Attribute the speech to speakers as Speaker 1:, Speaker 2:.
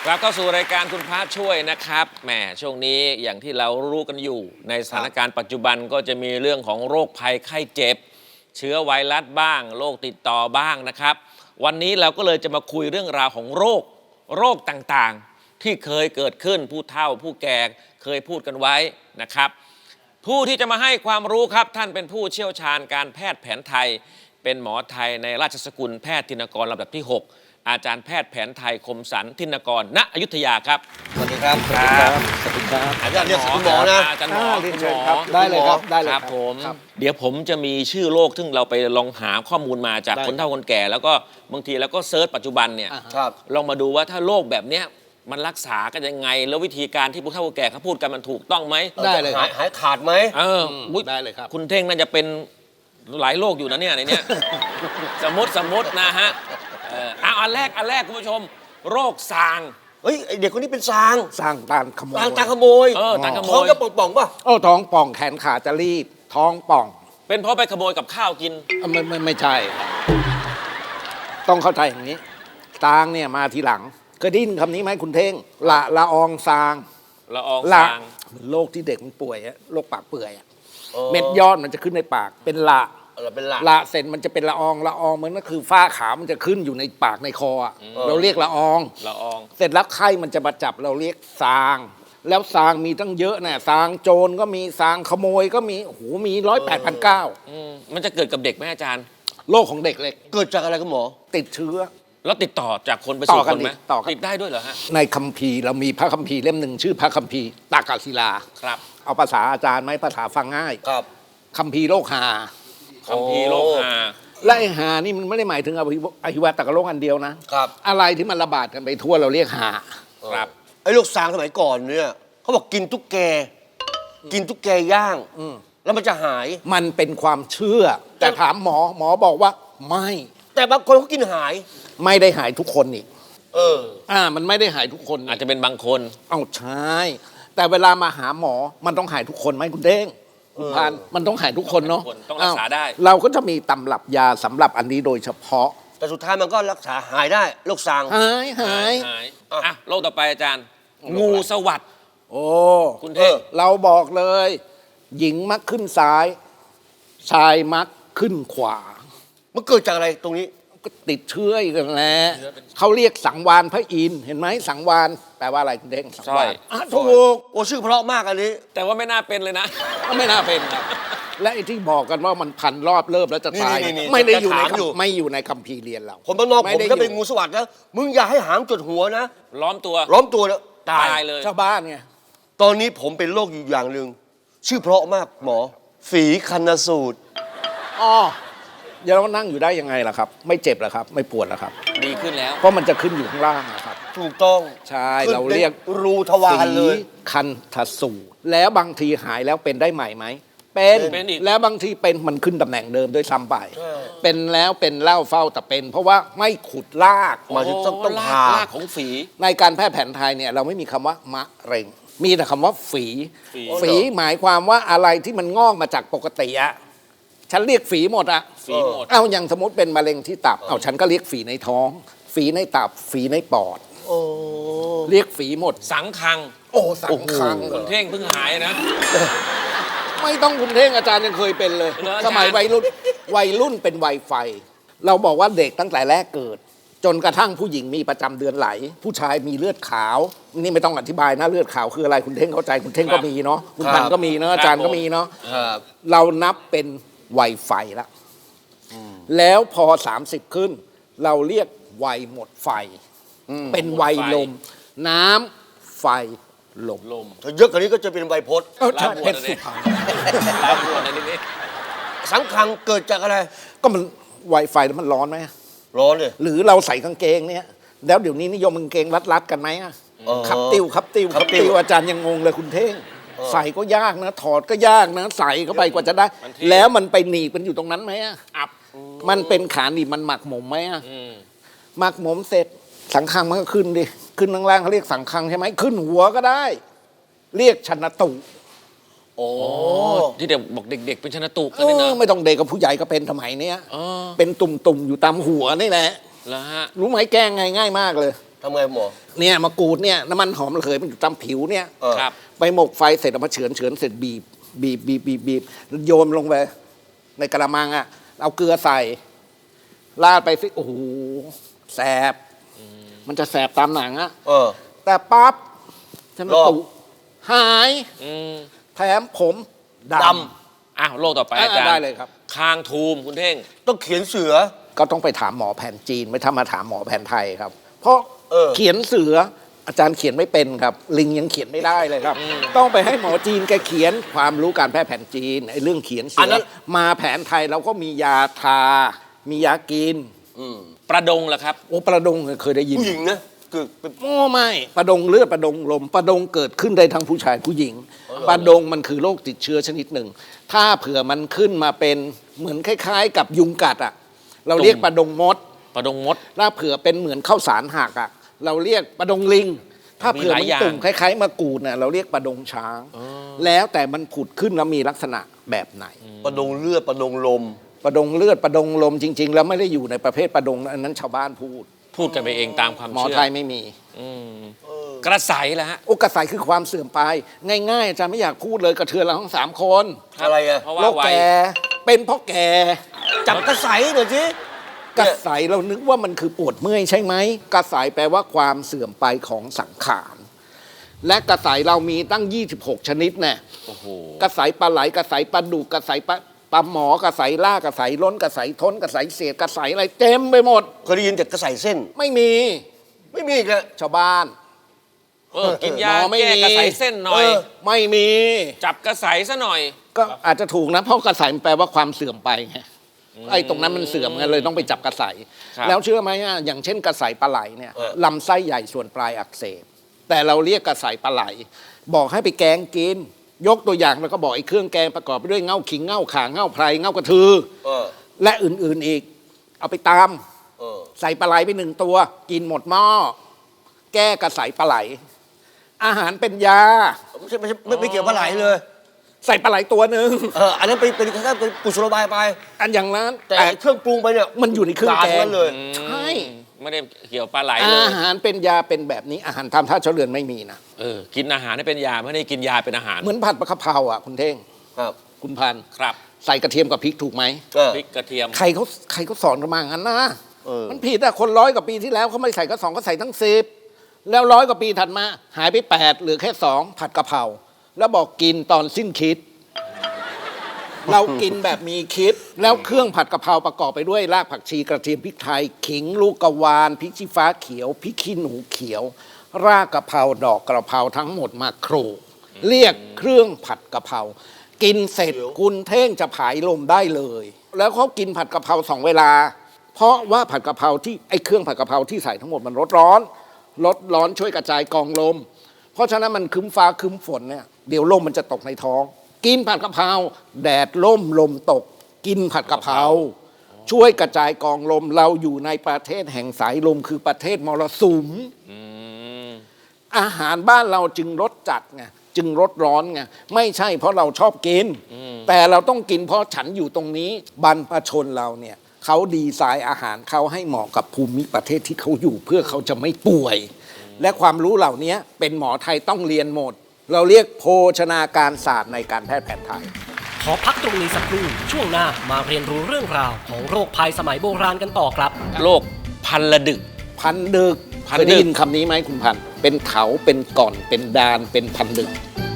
Speaker 1: กลับเข้าสู่รายการคุณพระช่วยนะครับแหมช่วงนี้อย่างที่เรารู้กันอยู่ในสถานการณ์ปัจจุบันก็จะมีเรื่องของโรคภัยไข้เจ็บเชื้อไวรัสบ้างโรคติดต่อบ้างนะครับวันนี้เราก็เลยจะมาคุยเรื่องราวของโรคต่างๆที่เคยเกิดขึ้นผู้เฒ่าผู้แก่เคยพูดกันไว้นะครับผู้ที่จะมาให้ความรู้ครับท่านเป็นผู้เชี่ยวชาญการแพทย์แผนไทยเป็นหมอไทยในราชสกุลแพทย์ธินกรลำดับที่ 6อาจารย์แพทย์แผนไทยคมสันธินกรณอยุธยาครับ
Speaker 2: สวัสดีครับ
Speaker 1: สวัสดีครับ
Speaker 2: สวัสดีครับ
Speaker 1: อาจารย์หมอ
Speaker 2: คุณหมอนะ
Speaker 1: อาจารย์หมอ
Speaker 2: คุณหมอได้เลยครับได้เลย
Speaker 1: ครับผมเดี๋ยวผมจะมีชื่อโรคซึ่งเราไปลองหาข้อมูลมาจากคนเฒ่าคนแก่แล้วก็บางทีแล้วก็เซิร์ชปัจจุบันเนี่ยลองมาดูว่าถ้าโรคแบบเนี้ยมันรักษากันยังไงแล้ววิธีการที่ผู้เฒ่าคนแก่เขาพูดกันมันถูกต้องไหม
Speaker 2: ได้เลยหายขาดไหม
Speaker 1: ได้เลยครับคุณเท่งน่าจะเป็นหลายโรคอยู่นะเนี่ยในเนี้ยสมมตินะฮะอันแรกคุณผู้ชมโรคซาง
Speaker 2: เฮ้ยเด็กคนนี้เป็นซาง
Speaker 3: ตาขโมย
Speaker 2: ตาขโมยท้องจะป่องป่ะ
Speaker 3: ท้องป่องแขนขาจะรีบท้องป่อง
Speaker 1: เป็นเพราะไปขโมยกับข้าวกิน
Speaker 3: ไม่ใช่ต้องเข้าใจอย่างนี้ซางเนี่ยมาทีหลังเคยได้ยินคำนี้ไหมคุณเท่งละอองซาง
Speaker 1: ละอองซาง
Speaker 3: โรคที่เด็กมันป่วยโรคปากเปื่อยเม็ดยอดมันจะขึ้นในปากเป็นละเสร็จมันจะเป็นละอองมันก็คือฝ้าขาวมันจะขึ้นอยู่ในปากในคอเราเรียกละอองเสร็จแล้วไข้มันจะมาจับเราเรียกซางแล้วซางมีตั้งเยอะนะซางโจรก็มีซางขโมยก็มีโอ้โหมี108,900
Speaker 1: มันจะเกิดกับเด็กไหมอาจารย์
Speaker 3: โรคของเด็กเล็ก
Speaker 2: เกิดจากอะไรคุณหมอ
Speaker 3: ติดเชื้อ
Speaker 1: แล้วติดต่อจากคนไปสู่คนไหมติดได้ด้วยเหรอฮะ
Speaker 3: ในคัมภีร์เรามีพระคัมภีร์เล่มหนึ่งชื่อพระคัมภีร์ตากศิลา
Speaker 1: ครับ
Speaker 3: เอาภาษาอาจารย์ไหมภาษาฟังง่าย
Speaker 2: ครับ
Speaker 3: คัมภีร์โรคหา
Speaker 1: คัมภีร์โรคหา
Speaker 3: และไอ้หานี่มันไม่ได้หมายถึงอหิวาตกโรคอันเดียวนะครับอะไรที่มันระบาดกันไปทั่วเราเรียกหา
Speaker 1: ครับ
Speaker 2: ไอ้โรคซางสมัยก่อนเนี่ยเขาบอกกินตุ๊กแกย่างแล้วมันจะหาย
Speaker 3: มันเป็นความเชื่อแต่ถามหมอบอกว่าไม่
Speaker 2: แต่บางคนเขากินหาย
Speaker 3: ไม่ได้หายทุกคนอีกมันไม่ได้หายทุกคน
Speaker 1: อาจจะเป็นบางคน
Speaker 3: ใช่แต่เวลามาหาหมอมันต้องหายทุกคนไหมคุณเด้งคุณพันมันต้องหายทุกคนเนาะ
Speaker 1: ต้องรักษาได้
Speaker 3: เราก็จะมีตำรับยาสำหรับอันนี้โดยเฉพาะ
Speaker 2: แต่สุดท้ายมันก็รักษาหายได้โรคซาง
Speaker 3: หาย
Speaker 1: โรคต่อไปอาจารย์งูสวัสด์คุณเท่
Speaker 3: เราบอกเลยหญิงมักขึ้นซ้ายชายมักขึ้นขวา
Speaker 2: มันเกิดจากอะไรตรงนี้
Speaker 3: ก็ติดเชื้ออีกแล้วเขาเรียกสังวานพระอินทร์เห็นไหมสังวานแปลว่าอะไรคุณเด้งสังวาน
Speaker 2: ถูกชื่อเพราะมากอันนี้
Speaker 1: แต่ว่าไม่น่าเป็นเลยนะ
Speaker 3: ไม่น่าเป็นและไอ้ที่บอกกันว่ามันพันรอบเลิบแล้วจะตายไม่ได้อยู่ในคัมภีร์เรียนเรา
Speaker 2: คนบ้านนอกผมก็เป็นงูสวัสด์นะมึงอย่าให้หางจดหัวนะ
Speaker 1: ล้อมตัว
Speaker 2: แล้วตาย
Speaker 1: เลย
Speaker 3: ชาวบ้านไง
Speaker 2: ตอนนี้ผมเป็นโรคอยู่อย่างหนึ่งชื่อเพราะมากหมอฝีคันสูตร
Speaker 3: อย่าเรานั่งอยู่ได้ยังไงล่ะครับไม่เจ็บหรอครับไม่ปวดหรอครับ
Speaker 1: ดีขึ้นแล้ว
Speaker 3: เพราะมันจะขึ้นอยู่ข้างล่างนะครับ
Speaker 2: ถูกต้อง
Speaker 3: ใช่เราเรียก
Speaker 2: รูทวารเลย
Speaker 3: คันสูตรแล้วบางทีหายแล้วเป็นได้ใหม่ไหมเป็นแล้วบางทีเป็นมันขึ้นตำแหน่งเดิมด้วยซ้ำไปเป็นแล้วเป็นเล่าเฝ้าแต่เป็นเพราะว่าไม่ขุดลาก
Speaker 2: มาต้อง
Speaker 1: ลากของฝี
Speaker 3: ในการแพทย์แผนไทยเนี่ยเราไม่มีคำว่ามะเร็งมีแต่คำว่าฝีหมายความว่าอะไรที่มันงอกมาจากปกติอะฉันเรียกฝีหมดอะอย่างสมมติเป็นมะเร็งที่ตับฉันก็เรียกฝีในท้องฝีในตับฝีในปอดเรียกฝีหมด
Speaker 1: สังคัง
Speaker 3: สังคัง
Speaker 1: คุณเท่งเพิ่งหายนะ
Speaker 3: ไม่ต้องคุณเท่งอาจารย์ยังเคยเป็นเลยสมัยวัยรุ่นเป็นวัยไฟเราบอกว่าเด็กตั้งแต่แรกเกิดจนกระทั่งผู้หญิงมีประจำเดือนไหลผู้ชายมีเลือดขาวนี่ไม่ต้องอธิบายนะเลือดขาวคืออะไรคุณเท่งเข้าใจคุณเท่งก็มีเนาะคุณพันก็มีเนาะอาจารย์ก็มีเนาะเรานับเป็นวัยไฟแล้วพอ30ขึ้นเราเรียกวัยหมดไฟเป็นวัยลมน้ำไฟลม
Speaker 2: ถ้าเยอะกว่านี้ก็จะเป็นไวยพจน์
Speaker 3: เพชรสุพรรณ
Speaker 2: สังคังเกิดจากอะไร
Speaker 3: ก็มันไวไฟแล้วมันร้อนไหม
Speaker 2: ร้อนเลย
Speaker 3: หรือเราใส่กางเกงเนี่ยแล้วเดี๋ยวนี้นิยมกางเกงรัดกันไหมขับติวอาจารย์ยังงงเลยคุณเท่งใส่ก็ยากนะถอดก็ยากนะใส่เข้าไปกว่าจะได้แล้วมันไปหนีบมันอยู่ตรงนั้นไหมมันเป็นขาหนีบมันหมักหมมไหมหมักหมมเสร็จสังคังมันก็ขึ้นดิขึ้นล่างๆเขาเรียกสังคังใช่ไหมขึ้นหัวก็ได้เรียกชนตุ
Speaker 1: ที่เด็กบอกเด็กๆเป็นชนตุ
Speaker 3: กันนะไม่ต้องเด็กกับผู้ใหญ่ก็เป็นสมัยนี้เป็นตุ่มๆอยู่ตามหัวนี่แหละรู้ไหมแก้ง่ายมากเลย
Speaker 2: ทำไงหมอ
Speaker 3: เนี่ยมะกรูดเนี่ยน้ำมันหอมระเหยมันอยู่ตามผิวเนี่ย
Speaker 2: เออ
Speaker 1: ครับ
Speaker 3: ไปหมกไฟเสร็จเอามาเฉือนเสร็จบีบโยนลงไปในกระมังอ่ะเอาเกลือใส่ราดไปสิโอ้โหแสบมันจะแสบตามหนังอ่ะ
Speaker 2: เออ
Speaker 3: แต่ปั๊บฉัน
Speaker 2: รอบ
Speaker 3: ตุหาย
Speaker 1: อืม
Speaker 3: แถมผมด
Speaker 2: ด
Speaker 1: อ้าวโรคต่อไปอาจารย์
Speaker 3: ได้เลยครับ
Speaker 1: คางทูมคุณเท่ง
Speaker 2: ต้องเขียนเสือ
Speaker 3: ก็ต้องไปถามหมอแผนจีนไม่ถ้ามาถามหมอแผนไทยครับ เพราะ
Speaker 2: เออ
Speaker 3: เขียนเสืออาจารย์เขียนไม่เป็นครับ ลิงยังเขียนไม่ได้เลยครับ ต้องไปให้หมอจีนแกเขียนความรู้การแพทย์แผนจีนไอ้เรื่องเขียนเสื
Speaker 2: อัน
Speaker 3: อ
Speaker 2: นั้น
Speaker 3: มาแผนไทยเราก็มียาทา มียากิน
Speaker 1: ประดงล่ะครับ
Speaker 3: โอ้ประดงเคยได้ยิน
Speaker 2: ผู้หญิงนะคือเป็น
Speaker 3: โอ้ไม่ประดงเลือดประดงลมประดงเกิดขึ้นได้ทั้งผู้ชายผู้หญิงประดงมันคือโรคติดเชื้อชนิดหนึ่ง ถ้าเผื่อมันขึ้นมาเป็นเหมือนคล้ายๆ กับยุงกัดอ่ะเราเรียกประดงมด
Speaker 1: ประดงมด
Speaker 3: ถ้าเผื่อเป็นเหมือนข้าวสารหักอ่ะเราเรียกประดงลิง ถ้าเผื่อ
Speaker 1: มีหลาย
Speaker 3: มัน
Speaker 1: อย่าง
Speaker 3: ตุ่มคล้ายๆมะกรูดน่ะเราเรียกประดงช้าง แล้วแต่มันผุดขึ้นแล้วมีลักษณะแบบไหน
Speaker 2: ประดงเลือดประดงลม
Speaker 3: ประดงเลือดประดงลมจริง ๆ แล้วไม่ได้อยู่ในประเภทประดงนะอันนั้นชาวบ้านพูด
Speaker 1: พูดกันไปเองตามความ
Speaker 3: หมอ
Speaker 1: เชื่อ
Speaker 3: ไทยไม่มี
Speaker 1: อืมกระใสล่ะฮะ
Speaker 3: โอ้กระสายคือความเสื่อมไป ง่ายๆอาจารย์ไม่อยากพูดเลยกระเทือนเราทั้ง3 คน
Speaker 2: อะไรอะ
Speaker 1: เพราะว่า
Speaker 3: โรค
Speaker 1: วัย
Speaker 3: แก่เป็นเพราะแก่
Speaker 2: จับกระใสหน่อยสิ
Speaker 3: กระสายเรานึกว่ามันคือปวดเมื่อยใช่ไหมกระสายแปลว่าความเสื่อมไปของสังขารและกระสายเรามีตั้ง 26 ชนิดแน่
Speaker 1: โอ้โห
Speaker 3: กระสายปลาไหลกระสายปลาดุกกระสายปลาหมอกระสายล่ากระสายล้นกระสายท้นกระสายเศษกระสายอะไรเต็มไปหมด
Speaker 2: เคยได้ยินแต่กระใสเส้น
Speaker 3: ไม่มี
Speaker 2: ไม่มีอีกแล้ว
Speaker 3: ชาวบ้าน
Speaker 1: กินยา
Speaker 3: หมอไม่
Speaker 1: แก้
Speaker 3: มี
Speaker 1: กระใสเส้นหน่อย
Speaker 3: ไม่มี
Speaker 1: จับกระใสซะหน่อย
Speaker 3: ก็อาจจะถูกนะเพราะกระสายมันแปลว่าความเสื่อมไปไงไอ้ตรงนั้นมันเสื่อมไงเลยต้องไปจับกระสาย
Speaker 1: ครับ
Speaker 3: แล้วเชื่อไหมอ่ะอย่างเช่นกระสายปลาไหลเนี่ย
Speaker 2: เออ
Speaker 3: ลำไส้ใหญ่ส่วนปลายอักเสบแต่เราเรียกกระสายปลาไหล บอกให้ไปแกงกิน ยกตัวอย่างแล้วก็บอกไอ้เครื่องแกงประกอบไปด้วยเง่าขิงเง่าข่าเง่าไพรเง่ากระทือ
Speaker 2: เออ
Speaker 3: และอื่นๆอีก เอาไปตาม
Speaker 2: เออ
Speaker 3: ใส่ปลาไหลไป1 ตัว กินหมดหม้อแก้กระสายปลาไหล อาหารเป็นยา
Speaker 2: ไม่เกี่ยวปลาไหลเลย
Speaker 3: ใส่ปลาไหลตัวหนึ่ง
Speaker 2: อันนั้นเป็นแค่เป็นกุศโลบายไป
Speaker 3: อันอย่างนั้น
Speaker 2: แต่เครื่องปรุงไปเนี่ย
Speaker 3: มันอยู่ในเครื่องแก
Speaker 2: ด่าทั้
Speaker 3: ง
Speaker 2: นั้นเลย
Speaker 3: ใช่
Speaker 1: ไม่ได้เกี่ยวปลาไหลเลย
Speaker 3: อาหารเป็นยาเป็นแบบนี้อาหารทำท่าเฉลือนไม่มีนะ
Speaker 1: กินอาหารให้เป็นยาไม่ได้กินยาเป็นอาหาร
Speaker 3: เหมือนผัดปลากระเพราอ่ะคุณเท่ง
Speaker 2: ครับ
Speaker 3: คุณพันธุ์
Speaker 1: ครับ
Speaker 3: ใส่กระเทียมกับพริกถูกไหม
Speaker 2: เออ
Speaker 1: พริกกระเทียม
Speaker 3: ใครเขาสอนกันมางั้นนะ
Speaker 2: เออ
Speaker 3: มันผิดอะคน100 กว่าปีที่แล้วเขาไม่ใส่ก็2ก็ใส่ทั้ง10แล้ว100 กว่าปีถัดมา หายไป8เหลือแค่2ผัดกะเพราแล้วบอกกินตอนสิ้นคิด เรากินแบบมีคิด แล้วเครื่องผัดกะเพราประกอบไปด้วยรากผักชีกระเทียมพริกไทย ขิงลูกกระวานพริกชี้ฟ้าเขียวพริกขี้หนูเขียว รากกะเพราดอกกระเพราทั้งหมดมาโขลกเรียกเครื่องผัดกะเพรากินเสร็จคุณเท่งจะผายลมได้เลย แล้วเขากินผัดกะเพรา2 เวลา เพราะว่าผัดกะเพราที่ไอ้เครื่องผัดกะเพราที่ใส่ทั้งหมดมันลดร้อนช่วยกระจายกองลม เพราะฉะนั้นมันคึ้มฟ้าคึ้มฝนเนี่ยเดี๋ยวลมมันจะตกในท้อง กินผัดกะเพราแดดล่มลมตก กินผัดกะเพราช่วยกระจายกองลมเราอยู่ในประเทศแห่งสายลมคือประเทศมรสุม อาหารบ้านเราจึงรสจัดไงจึงรสร้อนไงไม่ใช่เพราะเราชอบกิน แต่เราต้องกินเพราะฉันอยู่ตรงนี้บรรพชนเราเนี่ยเขาดีไซน์อาหารเขาให้เหมาะกับภูมิประเทศที่เขาอยู่เพื่อเขาจะไม่ป่วย และความรู้เหล่านี้เป็นหมอไทยต้องเรียนหมด เราเรียกโภชนาการศาสตร์ในการแพทย์แผนไทย
Speaker 4: ขอพักตรงนี้สักครู่ช่วงหน้ามาเรียนรู้เรื่องราวของโรคภัยสมัยโบราณกันต่อครับ
Speaker 1: โรคพันละดึก
Speaker 3: พันดึก
Speaker 1: พัน
Speaker 3: เคย
Speaker 1: ดึ
Speaker 3: ได้
Speaker 1: ก
Speaker 3: ยินคำนี้ไหมคุณพันธุ์เป็นเขาเป็นก่อนเป็นดานเป็นพันดึก